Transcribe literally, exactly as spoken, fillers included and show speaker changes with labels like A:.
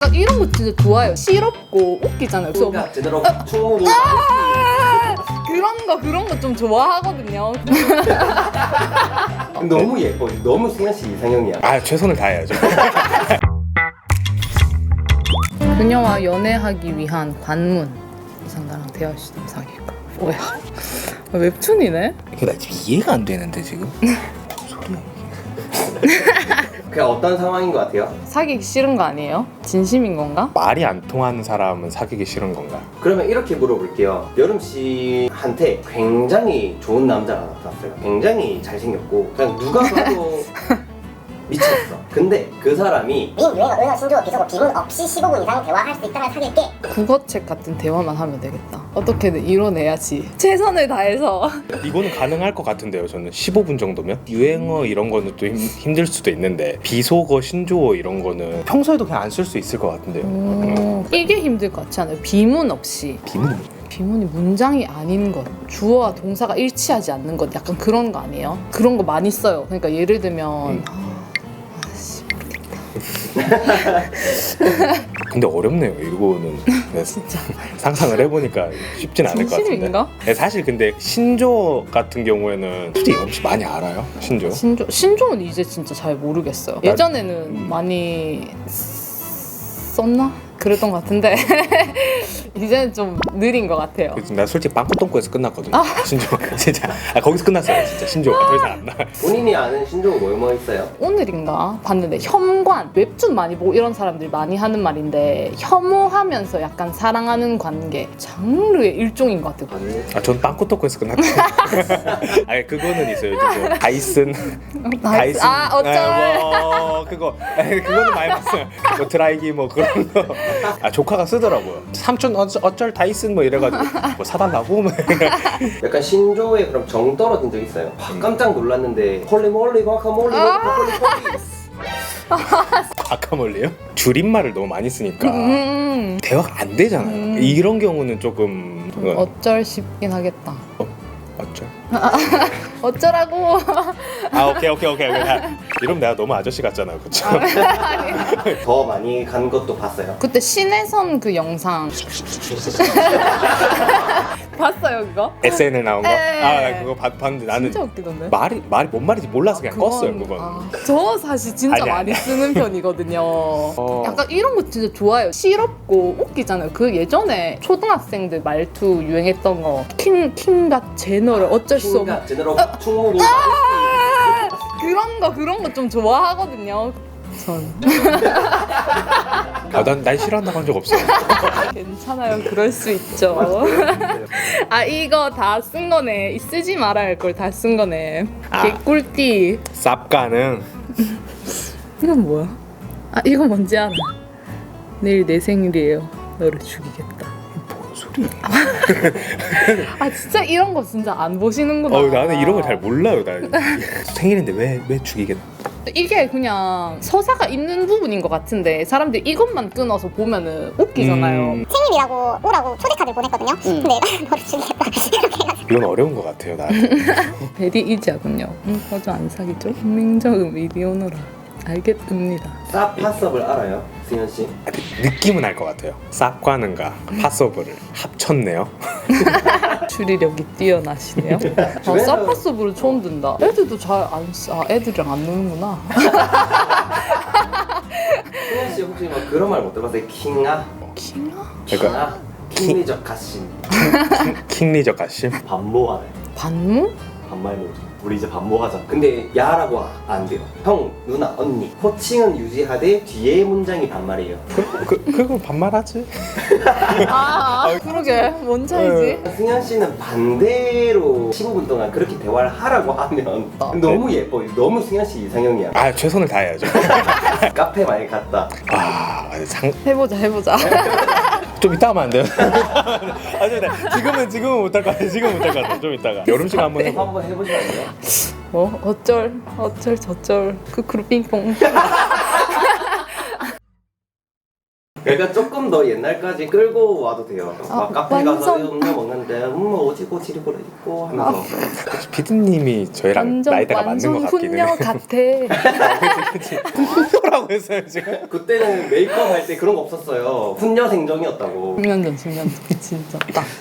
A: 약간 이런 거 진짜 좋아요. 시럽고 웃기잖아요. 그래서
B: 그러니까 제대로 충무도
A: 아! 그런 거 그런 거 좀 좋아하거든요.
B: 너무 예뻐. 너무 승현 씨 이상형이야.
C: 아 최선을 다해야죠.
A: 그녀와 연애하기 위한 관문. 이상 나랑 대화할 수 있으면 사귈까? 뭐야? 웹툰이네?
C: 이게 나 지금 이해가 안 되는데 지금. 무슨 소리야 이게.
B: 그냥 어떤 상황인 것 같아요?
A: 사귀기 싫은 거 아니에요? 진심인 건가?
C: 말이 안 통하는 사람은 사귀기 싫은 건가?
B: 그러면 이렇게 물어볼게요. 여름 씨한테 굉장히 좋은 남자가 나타났어요. 굉장히 잘생겼고 그냥 누가 봐도 미쳤어. 근데 그 사람이
D: 민, 유행어, 은어, 신조어, 비속어, 비문 없이 십오 분 이상 대화할 수 있다면 사귈게.
A: 국어책 같은 대화만 하면 되겠다. 어떻게든 이뤄내야지. 최선을 다해서.
C: 이거는 가능할 것 같은데요. 저는 십오 분 정도면 유행어 이런 거는 또 힘, 힘들 수도 있는데 비속어, 신조어 이런 거는 평소에도 그냥 안 쓸 수 있을 것 같은데요.
A: 오, 이게 힘들 것 같지 않아요? 비문 없이.
C: 비문이
A: 비문이 문장이 아닌 것, 주어와 동사가 일치하지 않는 것, 약간 그런 거 아니에요? 그런 거 많이 써요. 그러니까 예를 들면
C: 음.
A: 아, 아씨 모르겠다.
C: 근데 어렵네요. 이거는 네,
A: 진짜
C: 상상을 해보니까 쉽진 않을 것 같은데.
A: 진심인가?
C: 네, 사실 근데 신조어 같은 경우에는 솔직히 혹시 많이 알아요? 신조어?
A: 신조 신조는 이제 진짜 잘 모르겠어요. 예전에는
C: 음.
A: 많이 썼나? 그랬던 것 같은데 이제는 좀 느린 것 같아요.
C: 그치, 나 솔직히 빵꾸똥꾸에서 끝났거든요. 신조어 진짜 아, 거기서 끝났어요. 진짜 신조어가 더 이상 안 나.
B: 본인이 아는 신조어 뭐 뭐 있어요?
A: 오늘인가 봤는데 혐관, 웹툰 많이 보고 이런 사람들이 많이 하는 말인데 혐오하면서 약간 사랑하는 관계, 장르의 일종인 것 같아요.
C: 아, 전 빵꾸똥꾸에서 끝났어요. 아, 그거는 있어요. 저 다이슨, 다이슨.
A: 아 어쩔.
C: 아, 뭐, 그거, 아니, 그거는 많이 봤어요. 뭐 드라이기 뭐 그런 거. 아, 조카가 쓰더라고요. 삼촌 어쩔, 어쩔 다이슨 뭐 이래가지고 뭐 사달라고 뭐.
B: 약간 신조어에 그럼 정 떨어진 적 있어요? 아, 깜짝 놀랐는데 홀리몰리 과카몰리 브로콜리
C: 과카몰리요? 줄임말을 너무 많이 쓰니까
A: 음,
C: 대화가 안 되잖아요.
A: 음.
C: 이런 경우는 조금
A: 좀 어쩔 싶긴 하겠다.
C: 어쩔?
A: 어쩌라고.
C: 아 오케이 오케이 오케이 오케이. 아, 이러면 내가 너무 아저씨 같잖아요, 그렇죠?
B: 더 많이 간 것도 봤어요.
A: 그때 신혜선 그 영상 봤어요 그거?
C: 에스엔엘 나온 거?
A: 에.
C: 아 나 그거 봤, 봤는데 나는
A: 진짜 웃기던데.
C: 말이 말이 뭔 말인지 몰라서 그냥 껐어요 그건.
A: 아, 저 사실 진짜
C: 아니,
A: 많이
C: 아니.
A: 쓰는 편이거든요. 약간 이런 거 진짜 좋아요. 시럽고 웃기잖아요. 그 예전에 초등학생들 말투 유행했던 거 킹, 킹갓 제너럴 어쩔 수 없는
B: 킹가 제대로 충무도
A: 그런 거 그런 거 좀 좋아하거든요. 전
C: 아, 난, 난 싫어한다고 한 적 없어요.
A: 괜찮아요. 그럴 수 있죠. 아 이거 다 쓴 거네. 쓰지 말아야 할 걸 다 쓴 거네.
C: 아.
A: 개꿀띠.
C: 쌉가는
A: 이건 뭐야? 아 이거 뭔지 알아. 내일 내 생일이에요. 너를 죽이겠다.
C: 뭔 소리야?
A: 아 진짜 이런 거 진짜 안 보시는구나.
C: 어, 나는 이런 걸 잘 몰라요. 나 생일인데 왜 왜 죽이겠다.
A: 이게 그냥 서사가 있는 부분인 것 같은데 사람들이 이것만 끊어서 보면은 웃기잖아요.
C: 음.
D: 생일이라고 오라고 초대카드를 보냈거든요. 근데 내가 너를 죽이겠다 이렇게 해가지고.
C: 이건 어려운 것 같아요, 나.
A: 베리 이자군요. 응, 어저 안 사귀죠? 민정음 이리 오너라. 알겠습니다.
B: 쌉파섭을 알아요? 승현 씨?
C: 느낌은 알 것 같아요. 쌉과는가 파서브를 합쳤네요.
A: 추리력이 뛰어나시네요. 아,
B: 주변에서-
A: 사파서브를 처음 든다. 애들도 잘 안 써. 아, 애들이랑 안 노는구나.
B: 승현 씨 혹시 막 그런 말 못 들어봤어요? 킹아?
A: 킹아?
B: 킹아? 킹리적 가심
C: 킹리적 가심.
B: 반모하네.
A: 반무?
B: 반말 모드. 우리 이제 반모하자. 근데 야라고 안 돼요. 형, 누나, 언니. 호칭은 유지하되 뒤에 문장이 반말이에요.
C: 그, 그, 그거 반말하지.
A: 아, 그러게. 뭔 차이지?
B: 승현 씨는 반대로 십오 분 동안 그렇게 대화를 하라고 하면
A: 아,
B: 너무 예뻐. 너무 승현 씨 이상형이야.
C: 아 최선을 다해야죠.
B: 카페 많이 갔다.
C: 아 상.
A: 해보자, 해보자.
C: 좀 이따 하면 안 돼요? 아, 좀 이따. 지금은 지금은 못할 것 같아요. 지금은 못할 것 같아요. 좀 이따가. 여름 시간 한번 해봐.
B: 한번 해보시면 안 돼요?
A: 뭐, 어쩔, 어쩔, 저쩔. 크크루 빙뽕.
B: 그러니까 조금 더 옛날까지 끌고 와도 돼요. 막
A: 아,
B: 카페 가서
A: 완전-
B: 음료 먹는데 음 오지고 지리고 있고 하면서
C: 피디님이 저희랑
A: 완전
C: 나이대가 맞는
A: 완전
C: 것 같기는
A: 훈녀
C: 해.
A: 같아.
C: 그치 그치. 훈녀라고 했어요 지금.
B: 그때는 메이크업 할 때 그런 거 없었어요. 훈녀 생정이었다고.
A: 십 년 전, 십 년 전. 진짜. 딱.